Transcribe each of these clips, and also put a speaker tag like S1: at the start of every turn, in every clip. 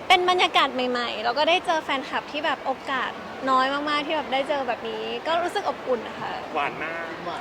S1: เป็นบรรยากาศใหม่ๆแล้วก็ได้เจอแฟนคลับที่แบบโอกาสน้อยมากๆที่แบบได้เจอแบบนี้ก็รู้สึกอบอุ่นนะคะ
S2: หวานมาก
S3: หวาน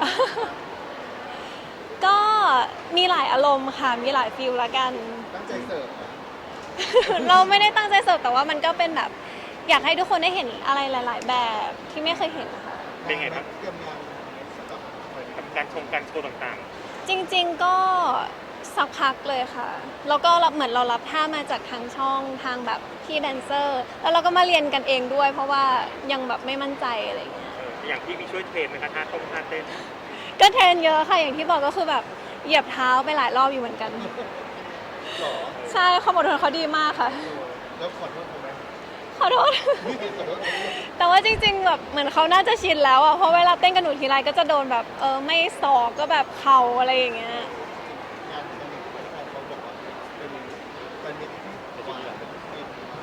S1: ก็มีหลายอารมณ์ค่ะมีหลายฟิลละกัน
S3: ตั้งใจเสิร์ฟนะ
S1: เราไม่ได้ตั้งใจเสิร์ฟแต่ว่ามันก็เป็นแบบอยากให้ทุกคนได้เห็นอะไรหลาย ๆ แบบที่ไม่เคยเห็นนะคะ
S2: เป็นไงครับ
S3: เตรียมงานสำหรับวันนี้
S2: กับการการโชว์ต่าง
S1: จริงๆก็สักพักเลยค่ะแล้วก็เหมือนเรารับท่ามาจากทางช่องทางแบบพี่แดนเซอร์แล้วเราก็มาเรียนกันเองด้วย เพราะว่ายังแบบไม่มั่นใจอะไรเงี้ย
S2: อย่างที่มีช่วยเทรนไหมคะท่าเต้น
S1: ก็เทรนเยอะค่ะอย่างที่บอกก็คือแบบเหยียบเท้าไปหลายรอบอยู่เหมือนกัน
S3: หรอ
S1: ใช่ความอดทนเขาดีมากค่ะ
S3: แล้วขอโทษเขาไหม
S1: ขอโทษ
S3: ขอโทษเขาไหม
S1: แต่ว่าจริงๆแบบเหมือนเขาน่าจะชินแล้วอ่ะเพราะเวลาเต้นกับหนูทีไรก็จะโดนแบบไม่ศอกก็แบบเข่าอะไรอย่างเงี้ย
S3: งานวันนี้แฟนเขาบอกว่าเป็นแฟนมิตรที่หวานเป็นฟินมาก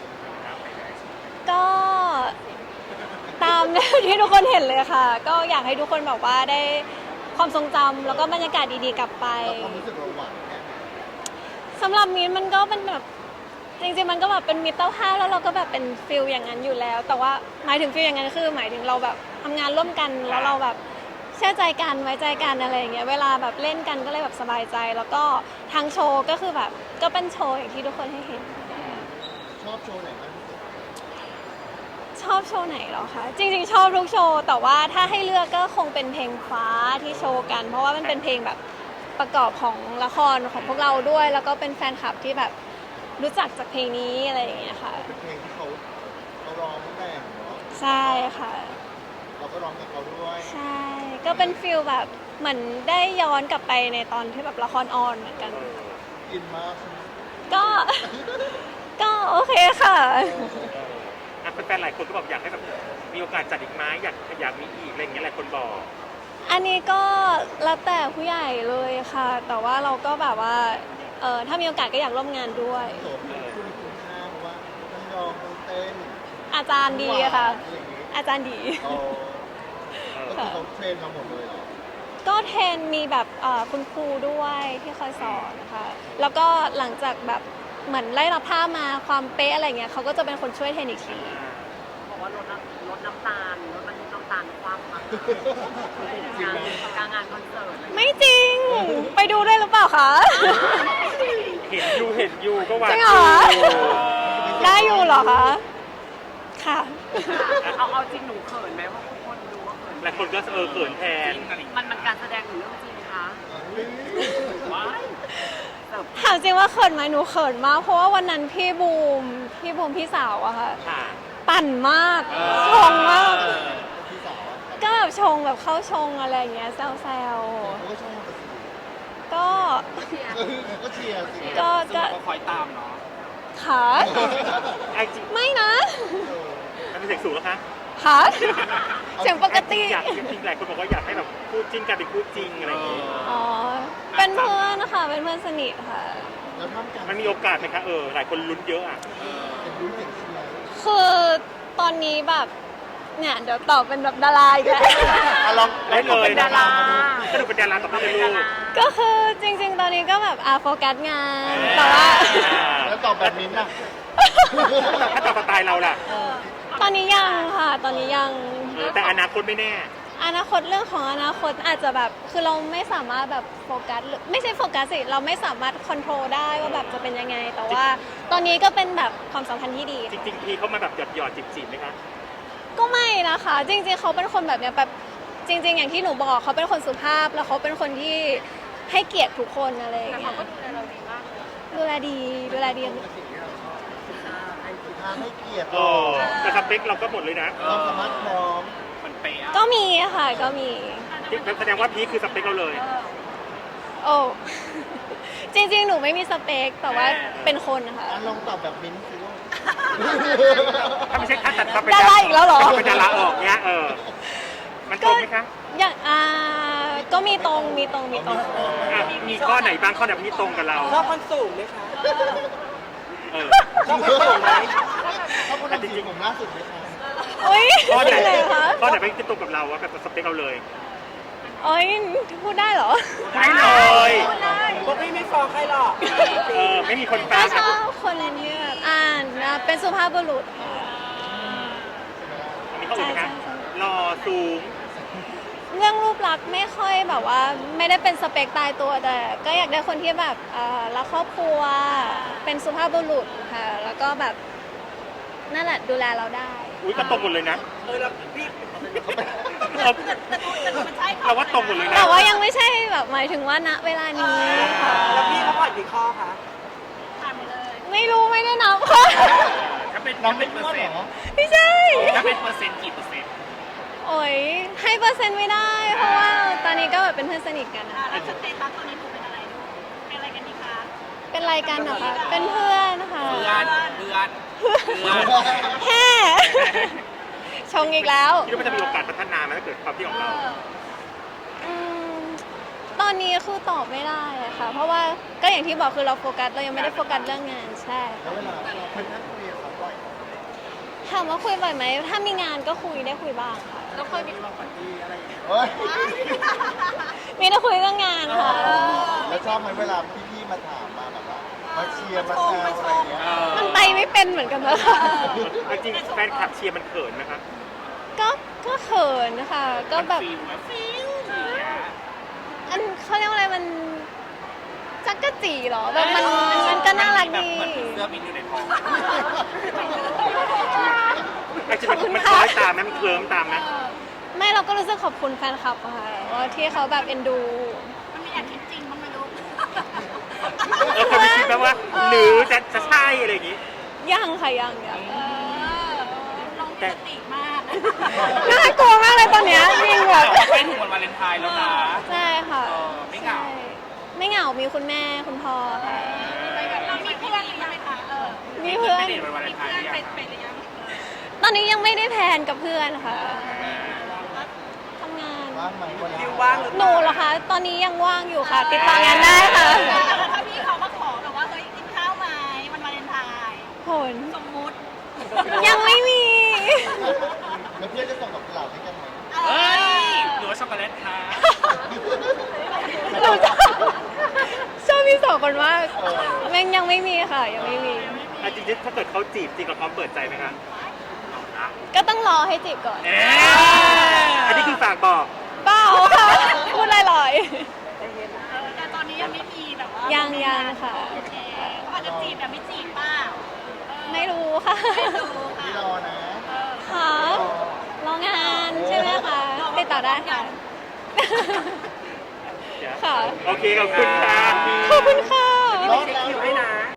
S1: ก็ตามที่ทุกคนเห็นเลยค่ะ ก็อยากให้ทุกคนแบบว่าได้ความทรงจำแล้วก็บรรยากาศดีๆกลับไป
S3: แล้วความรู้สึกเราหวานแค่ไหน
S1: สำหรับมิ้นมันก็เป็นแบบจริงๆมันก็แบบเป็นมิตรภาพแล้วเราก็แบบเป็นฟิลอย่างนั้นอยู่แล้ว แต่ว่าหมายถึงฟิลอย่างนั้นคือหมายถึงเราแบบทำงานร่วมกันแล้วเราแบบเชื่อใจกันไว้ใจกันอะไรอย่างเงี้ยเวลาแบบเล่นกันก็เลยแบบสบายใจ แล้วก็ทางโชว์ก็คือแบบก็เป็นโชว์อย่างที่ทุกคนให้เห็น
S3: ชอบโชว์ไหนมากที่สุด
S1: ชอบโชว์ไหนเหรอคะจริงๆชอบทุกโชว์แต่ว่าถ้าให้เลือกก็คงเป็นเพลงฟ้าที่โชว์กัน เพราะว่ามันเป็นเพลงแบบประกอบของละครของพวกเราด้วย แล้วก็เป็นแฟนคลับที่แบบรู้จักจากเพลงนี้อะไรอย่างเงี้ยค่ะ
S3: เป็นเพลงที่เขาร้องแต่งเนาะ
S1: ใช่ค่ะ
S3: เราก็ร้องกับเขาด้วย
S1: ใช่ก็เป็นฟิลแบบเหมือนได้ย้อนกลับไปในตอนที่แบบละครออนเหมือนกัน
S3: อินมากใช่ไหม
S1: ก็ ก็โอเคค่ะ
S2: ๆแฟนๆหลายคนก็บอกอยากให้แบบมีโอกาสจัดอีกไหมอยากมีอีกอะไรอย่างเงี้ยหลายคนบอก
S1: อันนี้ก็แล้วแต่ผู้ใหญ่เลยค่ะ แต่ว่าเราก็แบบว่าถ้ามีโอกาสก็อยากร่วมงานด้วย
S3: โสดคุณคุณค่าเพราะว่าทั้งร้องทั้งเต้น
S1: อาจารย์ดีค่ะ
S3: อะไรอย่างงี้
S1: อาจารย์ดี
S3: อ๋อก็คือเขาเทรนมาหมดเลยเหรอ
S1: ก็เทรนมีแบบคุณครูด้วยที่คอยสอนนะคะแล้วก็หลังจากแบบเหมือนไล่รับท่ามาความเป๊ะอะไรเงี้ยเขาก็จะเป็นคนช่วยเทรนอีกที
S4: บอกว่าลดน้ำตาลลดบรรทุกน้ำตาลความมา
S3: จริงไหม
S4: กลางงานคอนเสิร์ตอะไรอย่างเงี้ย
S1: ไม่จริง ไปดูได้หรือเปล่าคะ
S2: เห็นอยู่ก็หวาน
S1: จริง
S2: อ
S1: เหร
S2: ยู่
S1: อ ได้อยู่เหรอคะ ค่ะ
S4: เอาจริงหนูเขินไหมว่าทุกคนดูว่าเขิน
S2: หลายคนก็เขินแทน
S4: มันการแสดงหรือเรื่องจริงคะว้ายเสิร์ฟ
S1: ถามจริงว่าเขินไหมหนูเขินมาก เพราะว่าวันนั้นพี่บูมพี่สาวอะค่ะ
S2: ค่ะ
S1: ปั่นมาก ชงมาก
S3: พี่สาวอะ
S1: ก็แบบชงแบบเข้าชงอะไรอย่างเงี้ยแซว
S3: เขาก็ชอบแต่สิ
S1: ๆก็
S3: ก็เชียร์สิ
S1: ก็
S4: คอยตามเนาะ
S1: ขา
S2: ไอ้จริง
S1: ไม่นะ
S2: มันเป็นเสียงสูงแล้วคะ
S1: ขาเสียงปกติ
S2: อยากจริงๆหลายคนบอกว่าอยากให้แบบคู่จิ้นกันเป็นคู่จริงอะไรอย่างเงี้ย
S1: อ๋อ เป็นเพื่อนนะคะ เป็นเพื่อนสนิทค่ะ
S3: แล้วท่ามกลาง
S2: มันมีโอกาสไหมคะหลายคนลุ้นเยอะอ่ะ
S3: เป็นรู้เสียงเชียร์
S1: คือตอนนี้แบบ เนี่ยเดี๋ยวตอบเป็นแบบดาราอีกแล้ว
S3: อ่ะลอง
S2: ได้เลย
S4: เป็นดารา
S2: สนุกเป็นดาราต่อไปเลยลูก
S1: ก็คือจริง ๆ ตอนนี้ก็แบบโฟกัสงาน แต่ว่า
S3: แล้วตอบแบบมิ้นท์น่ะ
S2: ถ้าต่อสไตล์เราล่ะ
S1: ตอนนี้ยังค่ะ ตอนนี้ยัง
S2: แต่อนาคตไม่แน่
S1: อนาคตเรื่องของอนาคตอาจจะแบบ คือเราไม่สามารถแบบโฟกัสหรือไม่ใช่โฟกัสสิ เราไม่สามารถคอนโทรลได้ว่าแบบจะเป็นยังไง แต่ว่าตอนนี้ก็เป็นแบบความสัมพันธ์ที่ดี
S2: จริงๆพี่เขามาแบบหยอดจีบๆไหมคะ
S1: ก็ไม่นะคะ จริงๆเขาเป็นคนแบบเนี้ยแบบจริง ๆ อย่างที่หนูบอกเขาเป็นคนสุภาพแล้วเขาเป็นคนที่ให้เกียรติทุกคนอะไรอย่าง
S4: แต่
S1: เงี้
S4: เขา
S1: ย
S4: ก็ดูแลเราดีมากเลย
S1: ดูแลดีดูแลดี
S3: ให้เกียรติ
S2: โอ้แต่สเปคเราก็หมดเลยนะ
S3: ความสามารถพร้อม
S4: มันเป๊ะ
S1: ก็มีค่ะก็มี
S2: แสดงว่าพีคคือสเปคเราเลย
S1: โอ้ จริงๆ หนูไม่มีสเปคแต่ว่าเป็นคนค่ะ
S3: อ่ะลองตอบแบบมิ้นท์สิลูก
S2: ถ้าไม่ใช่ถ้าตัดเราเป็น
S1: ดาราอีกแล้วเหรอ
S2: ถ้าเป็นดาราออกเนี้ยมันตรงไหมคะ
S1: อย่างก็มีตรง
S2: มีข้อไหนบ้างข้อไหนที่ตรงกับเรา
S4: ชอบคนสูงไหมคะ
S2: เออ
S4: ชอบคนสูงไหม
S3: เขาคนทำสีผมล่าสุดไหมคะ
S1: อุ้ย
S2: ข้อไหน
S1: เลยคะ
S2: ข้อไหนเป็นตรงกับเราว่าแบบสเปคเราเลย
S1: โอ้ยพูดได้เหรอ
S2: ได้เลย
S4: พวกพี่ไม่ฟ้องใครหรอก
S2: ไม่มีคนแปล
S1: ก็ชอบคนที่แบบเป็นสุภาพบุรุษค่ะ
S2: อันนี้เขาอีกไหมคะ
S1: ใช่
S2: หล่อสูง
S1: เรื่องรูปลักษณ์ไม่ค่อยแบบว่าไม่ได้เป็นสเปคตายตัวแต่ก็อยากได้คนที่แบบรักครอบครัวเป็นสุภาพบุรุษค่ะแล้วก็แบบนั่นแหละดูแลเราได้
S2: อุ้ยก็ตรงหมดเลยนะ
S4: แล้วพี่
S2: เราว่าตรงหมดเลยนะ
S1: แต่ว่ายังไม่ใช่แบบหมายถึงว่าณเวลานี้ค่ะ
S4: แล้วพี่เขาผ่อนกี่ข้อคะ
S1: ไม่รู้ไม่ได้นับค่ะ
S5: ถ้าเป็น
S3: น้อง
S5: ถ้า
S3: เป็
S5: เป็น น
S3: เพื่
S5: เปอ
S3: อน
S5: ร์
S3: เห
S5: เซ็นต์
S3: รอ
S1: ไม่ใช่
S5: ถ้าเป็นเปอร์เซ็นต์กี่เปอร์เซ็นต์
S1: โอ้ยให้เปอร์เซ็นต์ไม่ได้ เพราะว่าตอนนี้ก็แบบเป็นเพื่อนสนิทกันนะ
S6: แล้วสเตตัสตอนนี้ถูกเป็นอะไรลูกเป็นอะไรกันดีคะ
S1: เป็นรายการเหรอคะเป็นเพื่อนค่ะ
S5: เพื่อน
S1: แฮ่ชงอีกแล้ว
S2: คิดว่ามันจะมีโอกาสพัฒนาไหมถ้าเกิดความที่ของเรา
S1: อืมตอนนี้คือตอบไม่ได้อะค่ะ เพราะว่าก็อย่างที่บอกคือเราโฟกัสเรายังไม่ได้โฟกัสเรื่องงานใช่
S3: แล้วเวลาเราเป็นนักคุยกับเขาบ่อย
S1: ถามว่าคุยบ่อยไหมถ้ามีงานก็คุยได้คุยบ้างค่ะ
S6: แล้วเคยมี
S3: เฮ้ย
S1: มีได้คุยเรื่องงานค่ะ
S3: แล้วชอบไหมเวลาพี่ๆมาถามมาแบบว่ามาเชียร์มาแซวอะไรอย่างเงี้ย
S1: มันไปไม่เป็นเหมือนกันนะคะ
S2: จริงๆแฟนคลับเชียร์มันเขินนะครับ
S1: ก็เขินค่ะก็แบบ
S5: ฟิลไหมฟิล
S1: อันเขาเรียกว่าอะไรมันจักกะจีเหรอแบบมันก็น่ารักดี
S5: เหมือนผีเสื้อบินอยู่ในท้อง
S2: จริงๆมันคล้อยตามไหมมันเคลิ้มตามไหม
S1: ไม่เราก็รู้สึกขอบคุณแฟนคลับอะค่ะว่าที่เขาแบบเอ็นดู
S6: มันมีแอบคิดจริงบ้างไหมลูก
S2: คนไม่คิดแบบว่า หรือจะใช่อะไรอย่างงี้
S1: ยังค่ะยัง
S6: น้องมีสติมาก
S1: น่ากลัวมากเลยตอนเนี้ยจริงแบบ
S5: ใกล้ถึงวันวาเลนไทน์แล้วนะ
S1: ใช่ค่ะ
S5: ไม่เหงา
S1: ใช่ไม่เหงามีคุณแม่คุณพ่อค่ะ
S6: เรามีเพื่อนหรือยังคะ
S1: มีเพื่อน
S5: ไม่ได้วันวาเล
S6: มี
S5: นไท
S6: เพื่
S5: น์
S6: อน
S5: หรือยัง
S6: ไปหรือยัง
S1: ตอนนี้ยังไม่ได้แพลนกับเพื่อนค่ะทำงาน
S3: ว่างไหมเวลา
S4: ฟิลว่างหรือ
S1: หนูเหรอคะ ตอนนี้ยังว่างอยู่ค่ะ ติดต่องานได้ค่ะ
S6: ถ้าพี่เขามาขอแบบว่าเฮ้ยกินข้าวไหมวันวาเลนไทน์
S1: ผล
S6: สมมุติ
S1: ยังไม่มี
S3: แล้วเพื่อนจะส่งดอกกุหลาบให้กันไหม
S5: เฮ้ยหรือว่าช็อกโกแลตคะ
S1: หนูชอบพี่สองคนมากแม่งยังไม่มีค่ะ ยังไม่มี
S2: จริงๆถ้าเกิดเขาจีบจริงเราพร้อมเปิดใจไหมคะ
S1: ก็ต้องรอให้จีบก่อน
S5: เอ๊ะ
S2: อันนี้คือฝากบอก
S1: เปล่าค่ะ พูดลอย
S6: แต่ตอนนี้ยังไม่มีแบบว่า
S1: ๆยังค่ะ
S6: โอเคเขาอาจจะจีบแต่ไม่จีบเปล่า
S1: ไม่รู้ค่ะ
S6: ดูค่ะ
S3: พี่รอนะ
S1: ค่ะรองานใช่ไหมคะ ติดต่อได้ค่ะ ค่ะ
S2: โอเคขอบคุณค่ะ
S1: ขอบคุณค่ะ
S4: ไม่เช็คคิวให้นะ